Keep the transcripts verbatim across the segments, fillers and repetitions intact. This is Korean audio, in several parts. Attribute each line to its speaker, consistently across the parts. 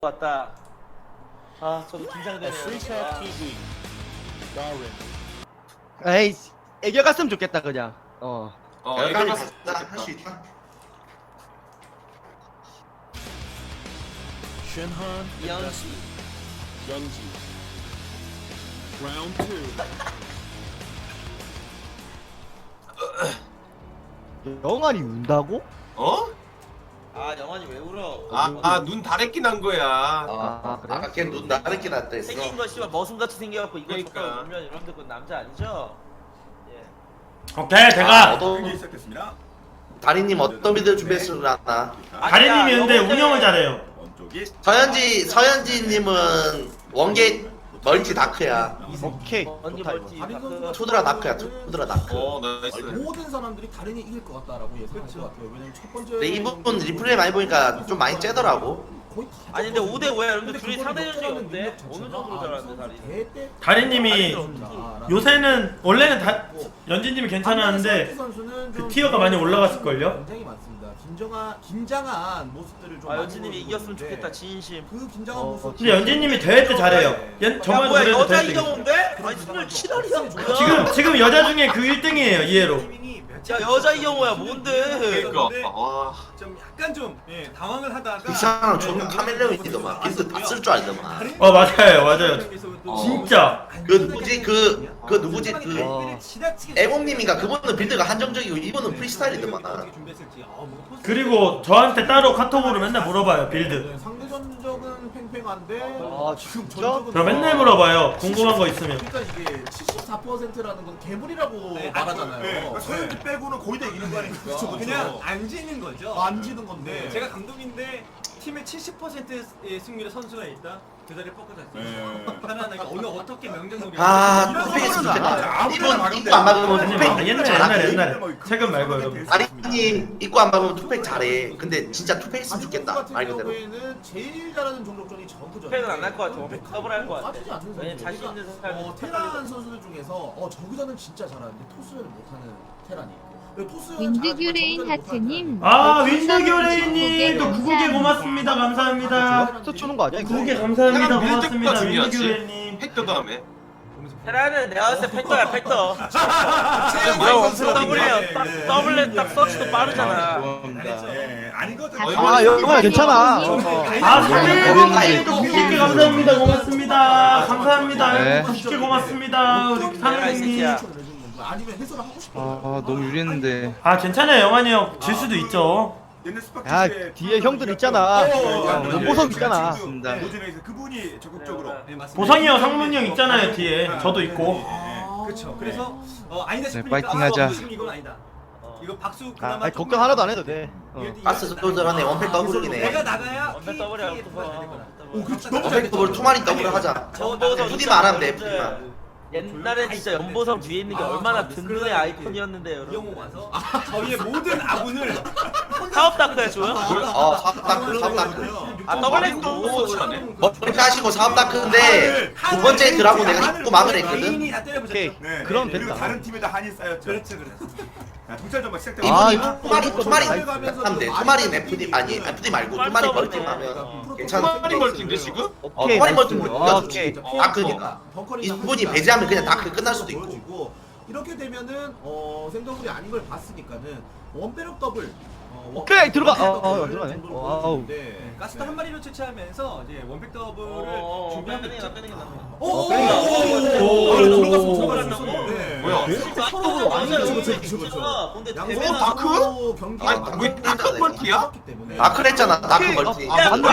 Speaker 1: 왔다. 아, 저도 긴장되네요.
Speaker 2: Freechat 티비 Darwin.
Speaker 3: 에이, 애교 갔으면 좋겠다 그냥. 어.
Speaker 4: 어,
Speaker 5: 여기까지
Speaker 4: 애가
Speaker 5: 갔다 할 수 있다.
Speaker 2: Shinhan
Speaker 1: 이현수.
Speaker 2: Youngji. Round two.
Speaker 3: 영환이 운다고?
Speaker 4: 어?
Speaker 1: 아, 영환이 왜 울어?
Speaker 4: 아, 아, 눈 다래끼 난 거야.
Speaker 3: 아, 그래?
Speaker 5: 아까 걔눈 나르게 났다 했어.
Speaker 1: 생긴 거 씨발 머슴같이 생겨갖고 이거
Speaker 4: 그러니까.
Speaker 1: 줬다고 울면 여러분들 그건 남자 아니죠? 예.
Speaker 6: 오케이
Speaker 5: 아,
Speaker 6: 제가
Speaker 5: 어떤
Speaker 7: 시작됐습니다.
Speaker 5: 다리님 어떤 미드 준비했으려나?
Speaker 6: 다리님이 근데
Speaker 1: 영혼
Speaker 6: 운영을
Speaker 1: 때문에-
Speaker 6: 잘해요.
Speaker 7: 원쪽이
Speaker 5: 서현지 서현지님은 원ゲ멀티 다크야.
Speaker 3: 오케이.
Speaker 1: 언니
Speaker 3: 좋다,
Speaker 1: 멀티
Speaker 3: 이거.
Speaker 1: 다크.
Speaker 5: 투드라 다크야. 투드라 다크.
Speaker 4: 어, 나이스.
Speaker 7: 모든 사람들이 다른이 이길 것 같다라고 예상할 것 같아요. 왜냐면 첫 번째.
Speaker 5: 근데 이 부분 리플레이 많이 보니까 좀 많이 째더라고.
Speaker 7: 거의 다
Speaker 1: 아니 근데 오 대 오야 여러분들
Speaker 7: 근데
Speaker 1: 둘이
Speaker 7: 그걸
Speaker 1: 상대 전적이
Speaker 7: 역전하는
Speaker 1: 어때?
Speaker 7: 능력
Speaker 1: 어느
Speaker 7: 자체가
Speaker 1: 정도로
Speaker 7: 아,
Speaker 1: 잘하는데
Speaker 7: 이
Speaker 1: 다리?
Speaker 7: 선수 대대
Speaker 6: 다리님이
Speaker 7: 선수다.
Speaker 6: 요새는 원래는 다 연진님이 괜찮았는데
Speaker 7: 선수는
Speaker 6: 그
Speaker 7: 좀
Speaker 6: 티어가 많이 올라갔을걸요?
Speaker 7: 굉장히 많습니다. 긴장한 긴장한 모습들을 좀
Speaker 1: 아
Speaker 7: 많이
Speaker 1: 연진님이
Speaker 7: 보여주고
Speaker 1: 이겼으면
Speaker 7: 있는데
Speaker 1: 좋겠다 진심.
Speaker 7: 그 긴장한
Speaker 3: 어,
Speaker 7: 모습.
Speaker 6: 근데 연진님이 대회 때 잘해요. 연,
Speaker 1: 야
Speaker 6: 저번
Speaker 1: 뭐야
Speaker 6: 노래도
Speaker 1: 여자
Speaker 6: 대회 때
Speaker 1: 이경호인데? 아니 승률 칠 할이야 뭐야?
Speaker 6: 지금 지금 여자 중에 그 일 등이에요 이해로.
Speaker 1: 야 여자 이경호야 뭔데?
Speaker 4: 그러니까. 와.
Speaker 8: 좀 약간 좀 예, 당황을 하다가
Speaker 5: 이 사람 존나 카멜레온이더만. 빌드 다 쓸 줄 알더만.
Speaker 6: 어 맞아요 맞아요.
Speaker 8: 어.
Speaker 6: 진짜.
Speaker 5: 그 누구지 그 그 누구지 그
Speaker 3: 어.
Speaker 5: 애공님인가 그분은 빌드가 한정적이고 이분은 프리스타일이더만.
Speaker 6: 그리고 저한테 따로 카톡으로 맨날 물어봐요 빌드.
Speaker 7: 네, 상대 전적은 팽팽한데
Speaker 3: 아,
Speaker 7: 지금
Speaker 3: 진짜?
Speaker 7: 전적은
Speaker 6: 저 맨날 물어봐요 궁금한 거 있으면.
Speaker 7: 그러니까 이게 칠십사 퍼센트라는 건 괴물이라고
Speaker 8: 네,
Speaker 7: 말하잖아요.
Speaker 8: 네,
Speaker 7: 네.
Speaker 8: 서현지
Speaker 7: 빼고는 거의 다 이기는 거 아닙니까? 그렇죠,
Speaker 8: 그냥 안 지는 거죠.
Speaker 7: 안 지는 건데.
Speaker 8: 네. 제가 감독인데 팀에 칠십 퍼센트의 승률의 선수가 있다. 그 자리에 뻗고 잤어요. 편안하게 오늘 어떻게 명장놀이
Speaker 5: 아 투팩했으면 좋겠다. 이분 입고 안 막으면
Speaker 6: 아니
Speaker 5: 투팩
Speaker 6: 옛날 옛날
Speaker 5: 잘하거든.
Speaker 6: 옛날에 최근 말고 여러분.
Speaker 5: 다리님 입고 안 막으면 투팩 잘해. 근데 진짜 투팩했으면
Speaker 7: 아직
Speaker 5: 좋겠다.
Speaker 7: 같은
Speaker 5: 말 그대로.
Speaker 7: 경우에는 제일 잘하는 종족전이 저그전.
Speaker 1: 팩은 안 할 것 같아. 원팩 더블 할것 같아.
Speaker 7: 빠지지 않는
Speaker 1: 왜냐면
Speaker 7: 선수.
Speaker 1: 자신 있는
Speaker 7: 그러니까,
Speaker 1: 선수
Speaker 7: 어, 테란 선수들 중에서 어 저그전은 진짜 잘하는데 토스전을 못하는 테란이 있고.
Speaker 9: 윈드규레인 하트님
Speaker 6: 아 윈드교레이님 또 구국에
Speaker 9: 감사합니다.
Speaker 6: 고맙습니다 감사합니다.
Speaker 3: 또 주는 거 아니야? 이거?
Speaker 6: 구국에 감사합니다
Speaker 4: 테란 빌드
Speaker 6: 고맙습니다
Speaker 4: 가 중요하지.
Speaker 6: 윈드교레이님.
Speaker 4: 팩도 다음에.
Speaker 1: 테라는 내가 봤을 때 팩터야 팩터.
Speaker 4: 뭐야,
Speaker 1: 뭐야
Speaker 4: 원투
Speaker 1: 원투 더블이야.
Speaker 7: 네,
Speaker 1: 딱
Speaker 7: 네.
Speaker 1: 더블렛 딱 서치도 빠르잖아.
Speaker 7: 예, 아니거든.
Speaker 3: 아, 영환아 괜찮아. 어.
Speaker 6: 아
Speaker 3: 네.
Speaker 6: 사장님도 구십 개 감사합니다 고맙습니다 감사합니다
Speaker 3: 네.
Speaker 6: 구십 개 고맙습니다 우리
Speaker 1: 내가 이
Speaker 6: 사장님.
Speaker 1: 새끼야.
Speaker 7: 아니면 해설을 하고 싶어.
Speaker 2: 아 너무 유리했는데.
Speaker 6: 아 괜찮아요 영환이 형 질 수도 있죠.
Speaker 3: 야, 뒤에 형들 있잖아. 어, 연보석 있잖아.
Speaker 7: 모진에서 그분이 적극적으로.
Speaker 8: 네, 맞습니다.
Speaker 6: 보성이 형 상문이 형 있잖아요 뒤에 저도 있고.
Speaker 8: 그렇죠. 그래서 어, 아니다
Speaker 2: 네,
Speaker 8: 싶으니까
Speaker 2: 파이팅 하자.
Speaker 8: 아, 무슨 이건 아니다. 이거 박수
Speaker 3: 아,
Speaker 8: 그나마
Speaker 3: 아니,
Speaker 8: 조금
Speaker 3: 걱정 하나도 안 해도 돼. 어.
Speaker 5: 가스 소전하네 원팩 더블이네.
Speaker 8: 내가 나가야
Speaker 1: 원팩 더블이야.
Speaker 8: 피- 피해가 잘 되거나.
Speaker 7: 오, 그렇지.
Speaker 8: 너무
Speaker 5: 원팩 더블 투마리 더블 하자.
Speaker 1: 연보성
Speaker 5: 푸디만 안 하면 돼 푸디만.
Speaker 1: 옛날에 진짜 연보성 뒤에 있는 게 얼마나 든든의 아이콘이었는데 여러분.
Speaker 8: 이영호 와서 저희의 모든 아군을
Speaker 1: 사업 다크야 줘요?
Speaker 5: 어 사업 다크 사업 다크.
Speaker 1: 아 더블렛도
Speaker 5: 머리 까시고 사업 다크인데 두 번째 드라고 내가 입고 막을 했거든.
Speaker 8: 개인이 다 때려보셨죠?
Speaker 3: 오케이.
Speaker 7: 네,
Speaker 3: 그럼
Speaker 7: 네. 그리고
Speaker 3: 됐다.
Speaker 7: 다른 팀에다 한이 쌓였죠.
Speaker 8: 그렇죠, 그렇죠.
Speaker 7: 동찰전만 시작되고.
Speaker 3: 아,
Speaker 5: 이분이
Speaker 3: 이거
Speaker 5: 투마리 투마리
Speaker 7: 가면서
Speaker 5: 하면 돼. 투마리 에프디 아니 에프디 말고 투마리 멀티 하면 괜찮아.
Speaker 4: 투마리 멀티인데 지금?
Speaker 5: 어
Speaker 3: 오케이.
Speaker 5: 투마리 멀티
Speaker 3: 아,
Speaker 5: 우리가
Speaker 3: 오케이.
Speaker 5: 좋지. 다크니까. 이분이 배제하면 그냥 다크 끝날 수도 있고.
Speaker 7: 있고. 이렇게 되면은 어 생더블이 아닌 걸 봤으니까는 원배럭 더블. 어,
Speaker 3: 오케이, 들어가.
Speaker 7: 원배럭
Speaker 3: 어, 어,
Speaker 7: 더블
Speaker 3: 들어가네.
Speaker 7: 정도로
Speaker 3: 어, 아우.
Speaker 7: 보여주는데.
Speaker 8: 가스도 한 마리로 채취하면서 이제 원팩 더블을
Speaker 1: 어,
Speaker 8: 준비하고
Speaker 1: 빼는 게
Speaker 8: 있죠.
Speaker 1: 나 빼는 게 나.
Speaker 7: 오,
Speaker 3: 어,
Speaker 7: 오,
Speaker 3: 그러니까.
Speaker 7: 오, 오,
Speaker 6: 오,
Speaker 7: 오, 들어갔어,
Speaker 6: 오,
Speaker 7: 들어갔어.
Speaker 1: 오,
Speaker 7: 네.
Speaker 4: 뭐야?
Speaker 7: 더블로 완전 그쵸, 그쵸, 그쵸, 그쵸.
Speaker 1: 근데
Speaker 7: 양손
Speaker 1: 대회는
Speaker 5: 다크?
Speaker 7: 경기가
Speaker 5: 아니, 그게 다크
Speaker 4: 멀티야?
Speaker 5: 다크 했잖아. 다크 멀티.
Speaker 3: 아, 맞네.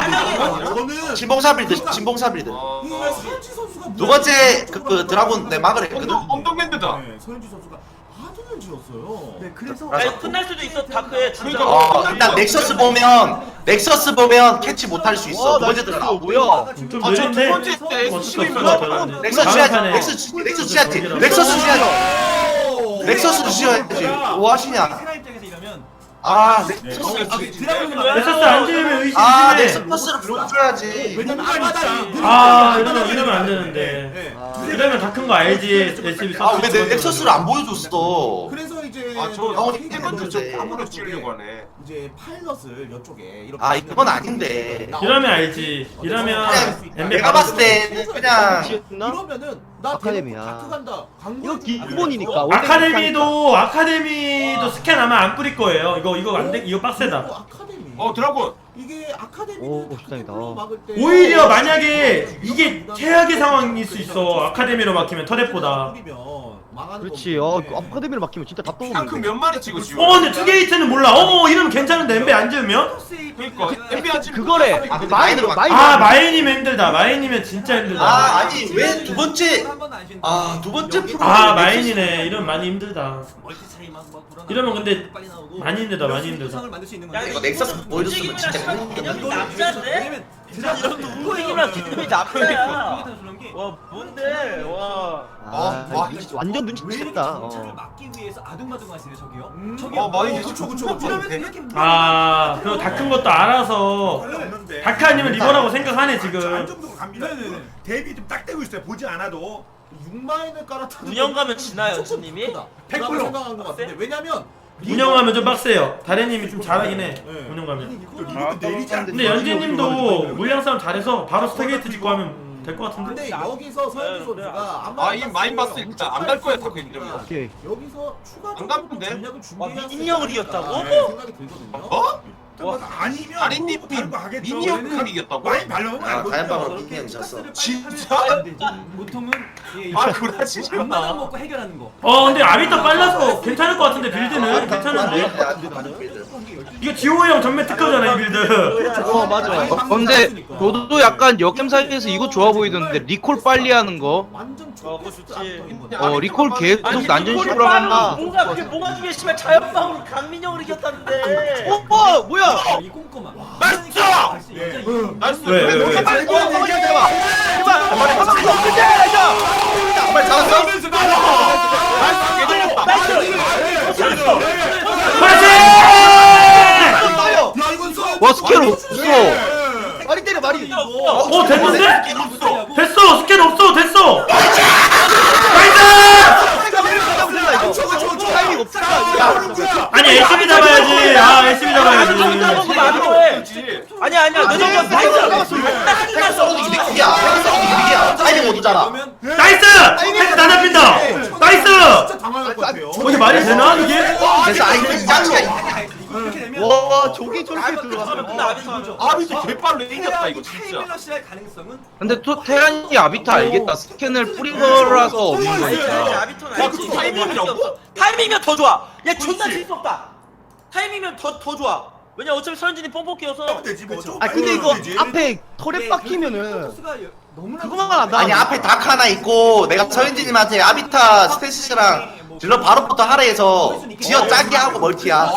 Speaker 7: 저는
Speaker 5: 진봉사 빌드 진봉사 빌드.
Speaker 4: 어.
Speaker 7: 이 서현지 선수가
Speaker 5: 두 번째 그, 그 드라군 내 막을 했거든.
Speaker 4: 언덕 언덕랜드다.
Speaker 7: 네, 서현지 선수가 하드를 지었어요.
Speaker 8: 네, 그래서
Speaker 1: 아니 끝날 수도 있어 다크에 진짜.
Speaker 5: 어 일단 넥서스 보면 넥서스 보면 캐치 못할 수 있어.
Speaker 3: 와,
Speaker 5: 두 번째
Speaker 3: 나
Speaker 5: 드라.
Speaker 3: 진짜 뭐야?
Speaker 6: 좀
Speaker 4: 아, 저두
Speaker 6: 느린데
Speaker 4: 번째 때
Speaker 6: 어쩔 수
Speaker 4: 수십이면
Speaker 6: 없어.
Speaker 5: 넥서스
Speaker 6: 다음
Speaker 5: 지어야지.
Speaker 6: 판에
Speaker 5: 넥서스 넥서스 지어야지. 넥서스 지어야지. 넥서스 지어야지. 뭐 하시냐?
Speaker 8: 테라 입장에서 이러면
Speaker 5: 아
Speaker 4: 네.
Speaker 5: 넥서스.
Speaker 6: 넥서스 안 지으면 의심
Speaker 5: 아
Speaker 6: 의심해.
Speaker 5: 넥서스를 불러줘야지.
Speaker 7: 왜냐면 앞마당이
Speaker 6: 아 이러면 이러면 안 되는데.
Speaker 7: 네.
Speaker 3: 아,
Speaker 6: 이러면 다 큰 거 알지 에스비
Speaker 5: 아왜 넥서스를 안 보여줬어?
Speaker 7: 그래서 이제
Speaker 4: 아저
Speaker 5: 영원히
Speaker 4: 일본도 좀
Speaker 5: 했는데.
Speaker 4: 아무로 지으려고 하네.
Speaker 7: 이제 파일럿을 이쪽에 이렇게
Speaker 5: 아 이건 아닌데.
Speaker 6: 이러면 알지. 이러면
Speaker 5: 그냥
Speaker 6: 엠베
Speaker 5: 내가 봤을 때는 그냥
Speaker 3: 지었나?
Speaker 7: 이러면은 나
Speaker 3: 아카데미야.
Speaker 7: 다크 간다.
Speaker 3: 이거 기본이니까. 원래
Speaker 6: 아카데미도 아카데미도 스캔 아마 안 뿌릴 거예요. 이거 이거 안 돼. 이거 빡세다.
Speaker 7: 그리고 아카데미.
Speaker 4: 어 드라군.
Speaker 7: 이게 아카데미는
Speaker 3: 오,
Speaker 7: 다크
Speaker 3: 식당이다.
Speaker 7: 템플러 막을 때
Speaker 6: 오히려 만약에 이게 최악의 상황일 수 있어. 아카데미로 막히면 터렛보다.
Speaker 3: 그렇지. 어 아카데미를 맡기면 진짜 다
Speaker 4: 탱크
Speaker 3: 떠오르는데.
Speaker 4: 몇 마리 찍어 지금?
Speaker 6: 어 근데 투게이트는 몰라. 어 이러면 괜찮은데 엠베 안 지으면?
Speaker 4: 그러니까 엠비 안 찍.
Speaker 3: 그거래.
Speaker 5: 아,
Speaker 3: 마인으로 마인.
Speaker 6: 아 마인이면 힘들다. 마인이면 진짜 힘들다.
Speaker 5: 아 아니 왜 두 번째 아 두 번째 프로
Speaker 6: 아 마인이네. 이러면 많이 힘들다.
Speaker 8: 멀티 차이만 막 불어나고
Speaker 6: 이러면 근데
Speaker 8: 빨리 나오고
Speaker 6: 많이 힘들다. 많이
Speaker 8: 이런
Speaker 6: 힘들다.
Speaker 8: 상을 만들 수 있는
Speaker 1: 야,
Speaker 8: 건데
Speaker 5: 이거 넥서스 보여줬으면 진짜
Speaker 1: 개념이
Speaker 5: 재밌겠는데.
Speaker 1: 남자인데? 진짜 이런 움직임이랑 개념이 남자야. 와 뭔데? 와.
Speaker 3: 아,
Speaker 4: 와,
Speaker 3: 눈치- 완전
Speaker 8: 왜 이렇게
Speaker 3: 눈치챘다.
Speaker 8: 정찰을
Speaker 3: 어.
Speaker 8: 막기 위해서 아둥바둥하시네 저기요?
Speaker 3: 음.
Speaker 8: 저기요.
Speaker 4: 어, 많이
Speaker 7: 그쵸 그쵸 그쵸.
Speaker 8: 이러면 이렇게
Speaker 6: 아 그리고 다 큰 것도 알아서 다크 아니면 리버라고 생각하네 지금.
Speaker 10: 안정적으로 갑니다. 대비 좀 딱 되고 있어요. 보지 않아도.
Speaker 7: 육마인을 깔았다.
Speaker 1: 운영가면 지나요, 스님이?
Speaker 7: 백 퍼센트 생각한 것 같은데 왜냐면
Speaker 6: 운영하면 좀 빡세요. 다래님이 좀 잘하긴 해.
Speaker 7: 네.
Speaker 6: 운영가면.
Speaker 10: 이거 내리지 않고.
Speaker 6: 근데 연재님도 물량 싸움 잘해서 바로 스타게이트 짓고 하면 될 것 같은데?
Speaker 7: 근데 여기서 서현주 선수가
Speaker 4: 아, 이 마인 봤을 때 안 갈 거야, 다크 이러면.
Speaker 3: 오케이.
Speaker 7: 여기서 추가적으로
Speaker 4: 안 가면 돼?
Speaker 7: 전략을
Speaker 1: 와,
Speaker 7: 준비해야
Speaker 1: 민인력을
Speaker 7: 되지
Speaker 1: 이겼다고?
Speaker 7: 않을까 생각이 들거든요.
Speaker 4: 어?
Speaker 10: 아니면
Speaker 4: 아린님이
Speaker 10: 다른 거 하겠죠.
Speaker 4: 미니언 이겼다고?
Speaker 10: 많이 발려면
Speaker 5: 아
Speaker 10: 알고
Speaker 5: 다현방으로
Speaker 10: 있죠.
Speaker 5: 민이 형이 졌어.
Speaker 4: 진짜?
Speaker 8: 보통은 예,
Speaker 4: 아 그러지
Speaker 8: 앞마당
Speaker 4: 마.
Speaker 8: 먹고 해결하는 거.
Speaker 6: 어 근데 아비타 빨라서 괜찮을 것 같은데 빌드는 괜찮은데? 이거 지호 형 전면 특허잖아 이 빌드.
Speaker 3: 어 맞아.
Speaker 2: 어, 근데 저도 약간 역겜 사이트에서 이거 좋아 보이던데 리콜 빨리 하는 거.
Speaker 7: 완전
Speaker 1: 어, 그거 좋지.
Speaker 2: 어 리콜 계속 난전식으로
Speaker 1: 이걸
Speaker 2: 하면
Speaker 1: 빠르고 뭔가 그게 뭔가 중에 씨발 자연방으로 강민영을 이겼다는데.
Speaker 3: 어, 어 뭐야?
Speaker 8: 이 꼼꼼한.
Speaker 4: 맞죠?
Speaker 10: 예.
Speaker 4: 나이스.
Speaker 6: 왜 왜 왜?
Speaker 3: 빨리 어, 어, 얘기해봐. 제발. 한번 더 끝내. 자.
Speaker 5: 정말 잘했어.
Speaker 3: 나요.
Speaker 7: 야 이건 써.
Speaker 2: 와 스킬 없어.
Speaker 3: 말이 때려 말이.
Speaker 6: 어 됐는데? 됐어 스캔 없어 됐어. 나이스!
Speaker 3: 타이밍 없다.
Speaker 6: 아니 에스비 잡아야지. 아 에스비 잡아야지.
Speaker 1: 아니야 아니야 내 정도 나이스.
Speaker 5: 핵서도 이득이야. 핵서도 이득이야. 타이밍 못 오잖아.
Speaker 6: 나이스! 헬스 다 잡힌다. 나이스!
Speaker 7: 진짜 당황할 것 같아요.
Speaker 6: 어, 이게 말이 되나 이게?
Speaker 5: 그래서 아이 이 짱이야.
Speaker 8: 이렇게 되면
Speaker 3: 와 저게 저렇게
Speaker 1: 아,
Speaker 3: 들어갔어.
Speaker 4: 아비도 개빨로 이겼다 이거 진짜.
Speaker 8: 타이밍러시할 가능성은
Speaker 2: 근데 또 테란이 아비타 알겠다. 스캔을 뿌린 거라서 없는
Speaker 1: 알지 알지
Speaker 2: 거니까.
Speaker 1: 아비톤
Speaker 4: 야,
Speaker 1: 알지.
Speaker 4: 그 타이밍이라고?
Speaker 1: 타이밍이면 더 좋아. 야 존나 재밌었다. 타이밍이면 더 더 좋아. 왜냐 어차피 서현진이 뽕뽕 끼어서.
Speaker 10: 되지 뭐.
Speaker 3: 아 근데 이거 앞에 털에 박히면은
Speaker 8: 코스가 너무나
Speaker 3: 그거만 안 나.
Speaker 5: 아니 앞에 다크 하나 있고 내가 서현진님한테 아비타 스테이시랑 질러 바로부터 하라 해서 지어 짜게 하고 멀티야.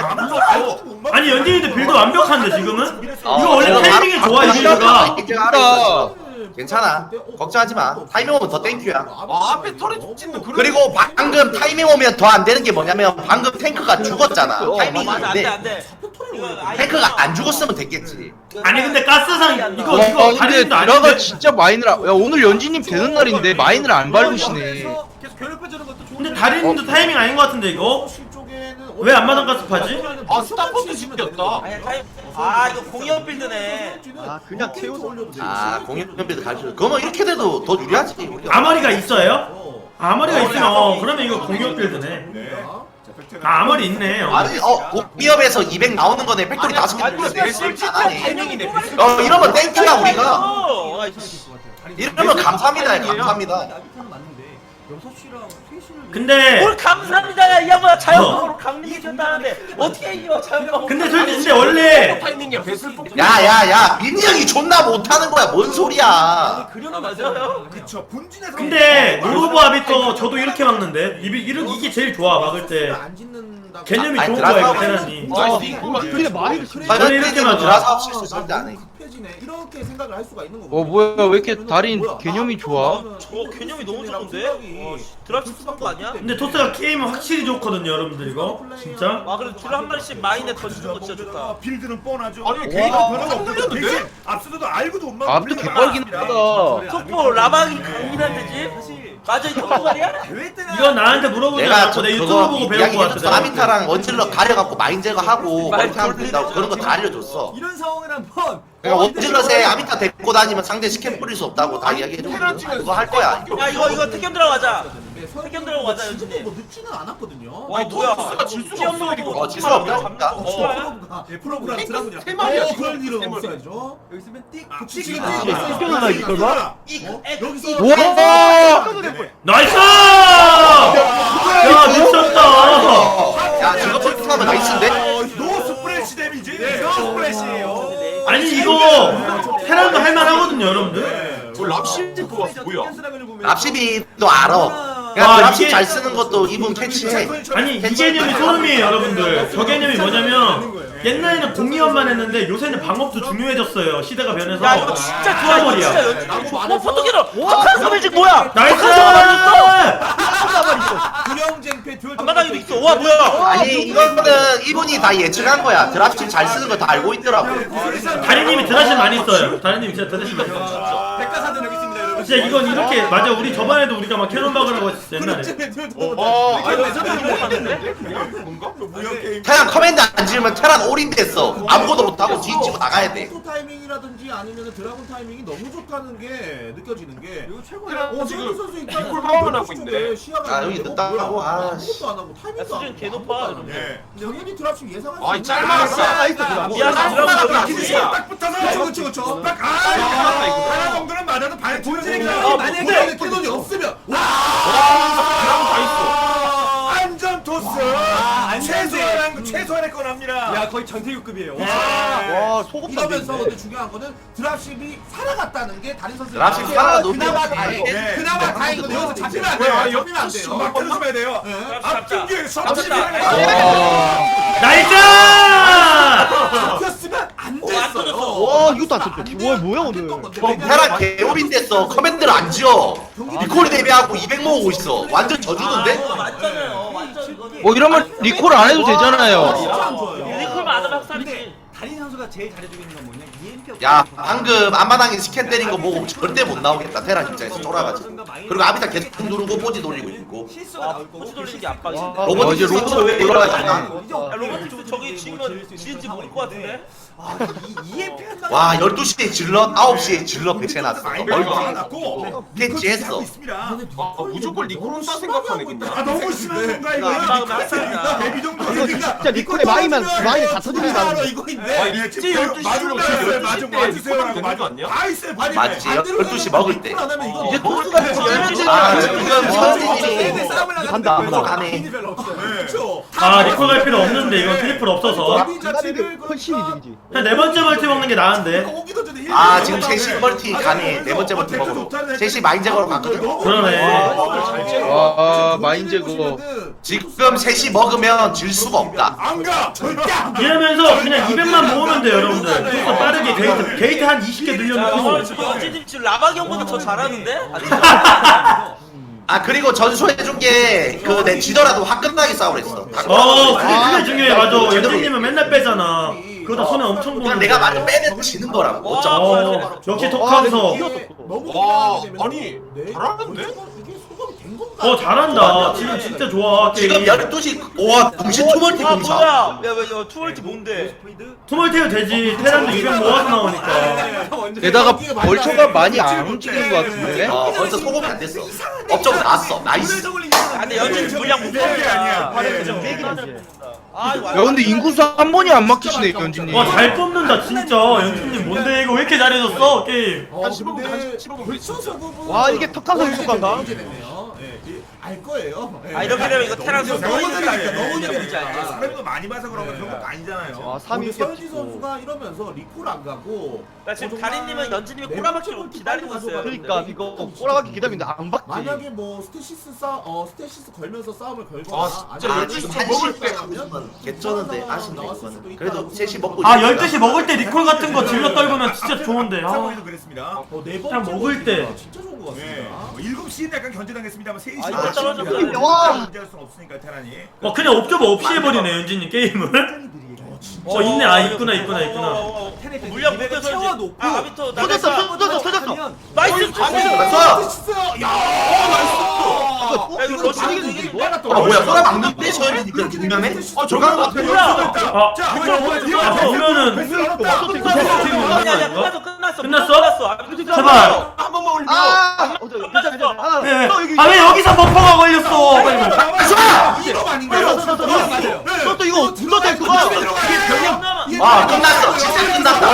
Speaker 6: 아니 연진이도 빌드 완벽한데 지금은?
Speaker 5: 어,
Speaker 6: 이거 원래
Speaker 5: 질러
Speaker 6: 타이밍이
Speaker 5: 바로-
Speaker 6: 좋아 이 빌드가.
Speaker 5: 그러니까 괜찮아. 걱정하지 마. 타이밍 오면 더 땡큐야.
Speaker 4: 아 앞에 털에 찍는 그런.
Speaker 5: 그리고 방금 타이밍 오면 더 안 되는 게 뭐냐면 방금 탱크가 죽었잖아.
Speaker 1: 어,
Speaker 5: 타이밍이
Speaker 1: 맞아 안돼
Speaker 5: 안돼.
Speaker 1: 안돼.
Speaker 5: 탱크가 안 죽었으면 됐겠지.
Speaker 6: 아니 근데 가스상 이거
Speaker 2: 와
Speaker 6: 이거
Speaker 2: 근데
Speaker 6: 다리도
Speaker 2: 드라가
Speaker 6: 아닌데?
Speaker 2: 진짜 마인을 안- 야 오늘 연진님 되는 날인데 마인을 안 밟으시네.
Speaker 8: 계속 괴롭혀주는 것도 좋은데
Speaker 6: 근데 다리님도 타이밍 아닌 것 같은데 이거? 왜 앞마당 가스 파지?
Speaker 4: 아 스타포트 시켰다.
Speaker 1: 아니야 타임. 아 이거 공이업 빌드네.
Speaker 3: 아 그냥 채워서
Speaker 5: 아 공격병비도 가르쳐. 그러면 이렇게 돼도 더 유리하지. 우리가.
Speaker 6: 아머리가 있어요? 아머리가 있으면 어, 그러면 이거 공격 빌드네. 아 아머리 있네. 어.
Speaker 5: 아니 어 공기업에서 이백 나오는 거네. 팩토리 다섯 개
Speaker 1: 아니
Speaker 5: 돌려서
Speaker 1: 근데
Speaker 5: 낼수
Speaker 1: 실제
Speaker 5: 있잖아.
Speaker 1: 타이밍이네.
Speaker 5: 어 이러면 땡큐야 우리가.
Speaker 1: 어, 아,
Speaker 5: 이러면 감사합니다. 감사합니다.
Speaker 8: 나비타는 맞는데 여섯 시랑 세 시를
Speaker 6: 근데
Speaker 1: 뭘 감사합니다야 이 양반아 자연방으로 강민이 줬다는데 어떻게 이겨 자연방으로.
Speaker 6: 근데 솔직히 근데 원래
Speaker 4: 타이밍이야 배슬 뽑.
Speaker 5: 야야야 민이 형이 존나 못하는 거야. 뭔 소리야.
Speaker 1: 아 맞아요.
Speaker 10: 그쵸. 분진에서.
Speaker 6: 근데 노로보 아비터 저도 이렇게 막는데 이 이런 이게 제일 좋아 막을 때 개념이
Speaker 5: 아니,
Speaker 6: 좋은 거야 이거
Speaker 5: 드라마-
Speaker 6: 테란이.
Speaker 5: 어.
Speaker 3: 근데 말이
Speaker 6: 저는 이렇게 맞아.
Speaker 5: 드라사 없이 절대 안 해.
Speaker 7: 이렇게 생각을 할 수가 있는 거고.
Speaker 2: 어 뭐야 왜 이렇게 달인 개념이 좋아?
Speaker 1: 저 개념이 너무 좋은데? 와, 드라프 쓰는 거 아니야?
Speaker 6: 근데 토스가 게임은 확실히 좋거든요 여러분들 이거 진짜.
Speaker 1: 아 그래도 줄을 한 마리씩 마인에 던지는 거 진짜 좋다.
Speaker 10: 빌드는 뻔하죠.
Speaker 4: 아니,
Speaker 10: 개인은
Speaker 4: 걔가
Speaker 10: 변화가 없고
Speaker 4: 상관없는데?
Speaker 10: 대신 앞서도 알고도 못 막고.
Speaker 2: 아비타 개뻘긴 하다.
Speaker 1: 속보 라방이 강민한데지?
Speaker 8: 사실
Speaker 1: 맞아 이거 말이야?
Speaker 8: 대회 때나
Speaker 6: 이건 나한테 물어보지
Speaker 5: 내가
Speaker 6: 않고
Speaker 5: 저
Speaker 6: 내 유튜브
Speaker 5: 그거
Speaker 6: 보고 배운 거
Speaker 5: 이야기해줬어.
Speaker 6: 같아.
Speaker 5: 아비타랑 원질러 가려갖고 마인 제거하고
Speaker 1: 말
Speaker 5: 멀티 하면 된다고 그런 거 다 알려줬어.
Speaker 8: 이런 상황을 한번
Speaker 5: 그러니까 원질러에 아비타 데리고 다니면 상대 스캔 뿌릴 수 없다고 다 이야기해줬거든. 그거 할 거야.
Speaker 1: 야 이거 이거 태견 들어가자.
Speaker 7: 태견
Speaker 1: 태견 들어가자 연준이.
Speaker 7: 뭐 늦지는 않았거든요.
Speaker 1: 와 뭐야?
Speaker 4: 질 수가 없어 이거.
Speaker 5: 어, 질 수가 없다.
Speaker 7: 프로브가 예, 프로브랑 드라군이랑
Speaker 4: 세 마리야,
Speaker 7: 어,
Speaker 4: 지금.
Speaker 7: 그럴 일은
Speaker 4: 세 마리.
Speaker 7: 없어야죠.
Speaker 8: 여기 있으면 띡
Speaker 7: 아,
Speaker 8: 붙이기
Speaker 7: 지금
Speaker 8: 아,
Speaker 7: 띡
Speaker 8: 아,
Speaker 3: 이겨나 이걸 봐.
Speaker 7: 여기서
Speaker 2: 와!
Speaker 6: 나이스! 야 미쳤다.
Speaker 5: 야 저거 폴팅하면 나이스인데?
Speaker 10: 노 스프레시 데미지.
Speaker 8: 스플래시예요.
Speaker 6: 아니 이거 테란도 할만하거든요 여러분들.
Speaker 4: 저 랍십 뽑았어 뭐야?
Speaker 5: 랍십이도 알아.
Speaker 6: 와,
Speaker 5: 그냥 랍십
Speaker 6: 이게-
Speaker 5: 잘 쓰는 것도 이분 캐치해.
Speaker 6: 아니 이 개념이 소름이에요 여러분들. 저 개념이 뭐냐면 옛날에는 공이업만 했는데 요새는 방업도 중요해졌어요. 시대가 변해서.
Speaker 1: 야 이거 진짜 좋아 이거 진짜 연준이.
Speaker 7: 라고
Speaker 1: 와
Speaker 7: 말해서-
Speaker 1: 포토기로. 착한 소매직 뭐야?
Speaker 6: 나이스!
Speaker 7: 구령쟁패 듀얼
Speaker 1: 앞마당에도 있어. 와 뭐야?
Speaker 5: 아니 이거는 이분이 다 예측한 거야. 드랍십 잘 쓰는 거 다 알고 있더라고.
Speaker 6: 다리님이 드라신 많이 써요. 다리님이 진짜 드라신 많이 써요.
Speaker 8: 백과사전 여기 있습니다 여러분.
Speaker 6: 진짜 이건 이렇게 맞아. 우리 저번에도 우리가 막 캐논 박으라고 했었어 옛날에.
Speaker 4: 어, 아니 뭔가?
Speaker 10: 무역 게임.
Speaker 5: 테란 커맨드 안 지으면 테란 올인 됐어. 아무것도 못하고 뒤집고 나가야 돼.
Speaker 7: 포토 타이밍이라든지 아니면 드라군 타이밍이 너무 좋다는 게 느껴지는 게
Speaker 8: 이거 최고야.
Speaker 7: 어,
Speaker 4: 지금
Speaker 7: 지금 선수 일단
Speaker 4: 콜 파워만 하고 있네.
Speaker 7: 시야가
Speaker 5: 아, 여기
Speaker 7: 있는데
Speaker 5: 늦다고?
Speaker 7: 어, 뭐야,
Speaker 5: 아,
Speaker 7: 아무것도 안 하고 타이밍도
Speaker 1: 수준
Speaker 7: 안
Speaker 1: 개
Speaker 7: 하고
Speaker 1: 높아,
Speaker 7: 아무것도 안
Speaker 1: 여러분.
Speaker 7: 하고.
Speaker 10: 예.
Speaker 7: 당연히 드랍십 예상할 수
Speaker 4: 아니,
Speaker 7: 있는
Speaker 4: 짧았어.
Speaker 7: 나이스
Speaker 1: 미안해 드라마 여기
Speaker 10: 기지
Speaker 1: 있지.
Speaker 10: 딱 붙어서.
Speaker 7: 그렇죠 그렇죠 그렇죠
Speaker 10: 딱 아, 하나 정도는 맞아도 발
Speaker 7: 본진이
Speaker 10: 아,
Speaker 7: 만약에 캐논이 없으면 와
Speaker 10: 안전 토스. 최소한 최소한의 건 합니다.
Speaker 8: 야 거의 전태규급이에요.
Speaker 3: 와 소금
Speaker 7: 이러면서 근데 중요한 거는 드랍십이 살아갔다는 게 다른 선수들
Speaker 5: 드랍십이 살아가도
Speaker 7: 그나마
Speaker 5: 네.
Speaker 7: 다행
Speaker 10: 네.
Speaker 7: 그나마 다행이거든요. 여기서 잡히면 안
Speaker 10: 뭐야,
Speaker 7: 돼요.
Speaker 10: 옆-
Speaker 7: 잡히면 안 돼요.
Speaker 10: 막 들어주면 돼요.
Speaker 7: 네.
Speaker 10: 앞중계
Speaker 1: 잡았다.
Speaker 10: 섭취하는
Speaker 6: 나이스!
Speaker 7: 잡혔으면 안
Speaker 1: 어, 안
Speaker 7: 됐어요.
Speaker 1: 터졌어.
Speaker 3: 와 이것도 안 쳤죠. 와 뭐야 오늘.
Speaker 5: 테란 개올인 됐어. 커맨드를 안 지어. 리콜 대비하고 이백 모으고 있어. 완전 져주는데?
Speaker 1: 아, 맞잖아요. 완전 이거지.
Speaker 2: 뭐 이러면 리콜 안 해도 되잖아요.
Speaker 7: 진짜 안 좋아요.
Speaker 1: 리콜만 안 하면 학살이지.
Speaker 8: 달인 선수가 제일 잘해주고 있는 건 뭐냐? 이엠피
Speaker 5: 야 방금 앞마당에 스캔 때린 거 보고 절대 못 나오겠다. 테란 입장에서 쫄아가지고. 그리고 아비타 계속 누르고 포지 돌리고 있고.
Speaker 8: 실수가
Speaker 1: 아
Speaker 8: 나올 거고.
Speaker 1: 포지 돌리는 게 압박이지.
Speaker 5: 로봇
Speaker 2: 어, 이제
Speaker 5: 이제
Speaker 2: 로봇
Speaker 5: 왜 올라가잖아.
Speaker 1: 야 로봇 저- 저기 지으면 지은지 모를 것 같은데.
Speaker 8: 이엠피 한
Speaker 5: 와 열두 시에 질럿, 아홉 시에 질럿 배치해놨어.
Speaker 10: 많이
Speaker 5: 멀티.
Speaker 10: 많았고
Speaker 5: 캐치했어.
Speaker 10: 있습니다.
Speaker 4: 아, 무조건 리콜 혼자 생각하네 근데.
Speaker 10: 아 너무 심한 건가 이거?
Speaker 1: 압박은 학살이다.
Speaker 10: 데뷔 정도.
Speaker 3: 진짜 리콜에 마이만 마이 다 터지는 거
Speaker 7: 바로
Speaker 3: 아니야.
Speaker 7: 이거인데.
Speaker 10: 아, 예, 지금
Speaker 4: 열두 시
Speaker 10: 마중 따라서요. 마중 와주세요라고
Speaker 4: 되는 거
Speaker 10: 마중.
Speaker 4: 아니야?
Speaker 10: 다 있어요.
Speaker 7: 아니,
Speaker 5: 맞지.
Speaker 7: 반대로
Speaker 5: 열두 시 먹을 때.
Speaker 7: 안 하면 이거
Speaker 5: 이제
Speaker 7: 너무
Speaker 5: 토스가 아 지금 서현진이
Speaker 3: 간다, 간다.
Speaker 5: 가네.
Speaker 7: 별로 없어요.
Speaker 10: 네.
Speaker 7: 그렇죠.
Speaker 6: 아 리콜 갈 필요 없는데 이건 트리플 없어서.
Speaker 7: 데뷔 자체를
Speaker 3: 훨씬 이득이지.
Speaker 6: 그냥 네 번째 멀티 먹는 게 나은데.
Speaker 7: 오기도 전에
Speaker 5: 아 지금 셋시 멀티 가네. 네 번째 멀티 먹으러. 셋시 마인 제거로 갔거든.
Speaker 6: 그러네.
Speaker 2: 아 마인 제거.
Speaker 5: 지금 셋시 먹으면 질 수가 없다.
Speaker 10: 안 가. 절대 안 가.
Speaker 6: 이러면서 그냥 이백만 모으면 돼요 여러분들. 조금 빠르게 게이트 게이트 한 이십 개
Speaker 1: 야
Speaker 6: 늘려놓고.
Speaker 1: 오늘 지금 연진님 지금 라박이 형보다 더 잘하는데?
Speaker 5: 아 그리고 전수해준 게 그 내 지더라도 화끈하게 싸우랬어.
Speaker 6: 어 그게 그게 중요해 맞아. 연진님은 맨날 빼잖아. 그거 다 손에 엄청
Speaker 5: 그냥
Speaker 6: 보는데.
Speaker 5: 내가 맞아 빼면 지는 거라고. 어쩜.
Speaker 6: 어 역시 토크하면서.
Speaker 7: 너무
Speaker 4: 와,
Speaker 7: 긴장하게 되면
Speaker 4: 아니,
Speaker 7: 네,
Speaker 4: 잘하는데?
Speaker 7: 이게 소금이 된 건가?
Speaker 6: 어 잘한다. 지금 진짜 좋아.
Speaker 5: 지금
Speaker 6: 게임.
Speaker 5: 열두 시 와 동시 투멀티
Speaker 1: 아
Speaker 5: 공사.
Speaker 1: 뭐야? 야왜 투월티 뭔데?
Speaker 6: 투멀티도 되지. 테란도 이백 모아서 나오니까.
Speaker 2: 게다가 벌처가 많이 안 움직이는 것 같은데.
Speaker 5: 어 벌써 소금이 안 됐어. 업적 나왔어. 나이스.
Speaker 1: 아 근데 연진 물량 못
Speaker 10: 이게 아니야.
Speaker 1: 아 이거
Speaker 2: 야 근데 인구수 한 번이 안 막히시네 연진님.
Speaker 6: 와 잘 뽑는다 진짜. 연준님 뭔데 이거 왜 이렇게 잘해줬어 게임.
Speaker 7: 어,
Speaker 4: 한 십오 분,
Speaker 7: 근데
Speaker 4: 한 십오 분
Speaker 7: 벌써 소금은
Speaker 3: 와, 이게 턱하서
Speaker 7: 이제
Speaker 3: 효과인가?
Speaker 7: 이제 됐네요. 예, 이- 알 거예요. 예.
Speaker 1: 아 이렇게 되면 이거 테란 선수
Speaker 7: 너무
Speaker 1: 너무
Speaker 7: 느리니까,
Speaker 1: 느리니까
Speaker 7: 너무
Speaker 1: 뭔지
Speaker 7: 느리니까.
Speaker 1: 알지?
Speaker 10: 사람도 많이 봐서 그런 거 그런 것도 아니잖아요.
Speaker 3: 와
Speaker 7: 근데
Speaker 3: 삼 위
Speaker 7: 서현지 선수가 이러면서 리콜 안 가고
Speaker 1: 나 지금
Speaker 7: 어, 정말
Speaker 1: 다리님은 연진님이
Speaker 7: 네
Speaker 1: 꼬라박기로
Speaker 7: 번째
Speaker 1: 기다리고
Speaker 7: 골
Speaker 1: 있어요.
Speaker 3: 그러니까 이거 꼬라박기 기다리는데 안 박지.
Speaker 7: 만약에 뭐 스테시스 싸, 어 스테시스 걸면서 싸움을 걸거나
Speaker 4: 아, 진짜
Speaker 5: 아
Speaker 7: 아니면
Speaker 5: 지금
Speaker 7: 한시
Speaker 5: 먹을 때
Speaker 7: 싸움이면
Speaker 5: 개쩌는데 아쉽네
Speaker 7: 나왔을 수도
Speaker 5: 이거는.
Speaker 7: 있다라고
Speaker 5: 그래도 셋이 먹고
Speaker 6: 아
Speaker 5: 있으니까.
Speaker 6: 열두 시 먹을 때 리콜 같은 거 질러 떨구면 진짜 좋은데. 아.
Speaker 10: 상호이도 그랬습니다.
Speaker 7: 어, 네
Speaker 6: 그냥
Speaker 7: 번째
Speaker 6: 먹을 때.
Speaker 7: 골키퍼가 진짜 좋은 것 같습니다.
Speaker 10: 네. 뭐 일곱 시는 약간 견제당했습니다만 세 시.
Speaker 1: 아, 이거 떨어졌어요.
Speaker 3: 와.
Speaker 10: 문제할 수는 없으니까 테란이.
Speaker 6: 와 그냥 옵저버 없이 해버리네 연진님 게임을. 어 있네. 아 있구나 있구나 있구나.
Speaker 1: 물량 못 채워놓고 아 아비터
Speaker 3: 터졌어 터졌어 터졌어.
Speaker 1: 나이스
Speaker 5: 나이스.
Speaker 7: 스테시스! 야! 어, 나이스!
Speaker 5: 아 뭐야 소라 막는데 서현진이 그렇게 유명해? 어 저거 같아.
Speaker 6: 아,
Speaker 10: 자,
Speaker 6: 아
Speaker 10: 보면은
Speaker 6: 보면은
Speaker 1: 아니 아니 끝났어 끝났어
Speaker 6: 끝났어?
Speaker 1: 끝났어.
Speaker 6: 제발.
Speaker 4: 한 번만 올려.
Speaker 3: 아, 어, 저, 괜찮아, 괜찮아. 하나,
Speaker 6: 네.
Speaker 3: 너 여기.
Speaker 6: 아 왜 여기서 버퍼가 걸렸어? 빨리 빨리.
Speaker 7: 이거 아닌가요? 맞아요.
Speaker 3: 너또 이거 눌렀다 그거.
Speaker 5: 아 끝났어. 진짜 끝났다.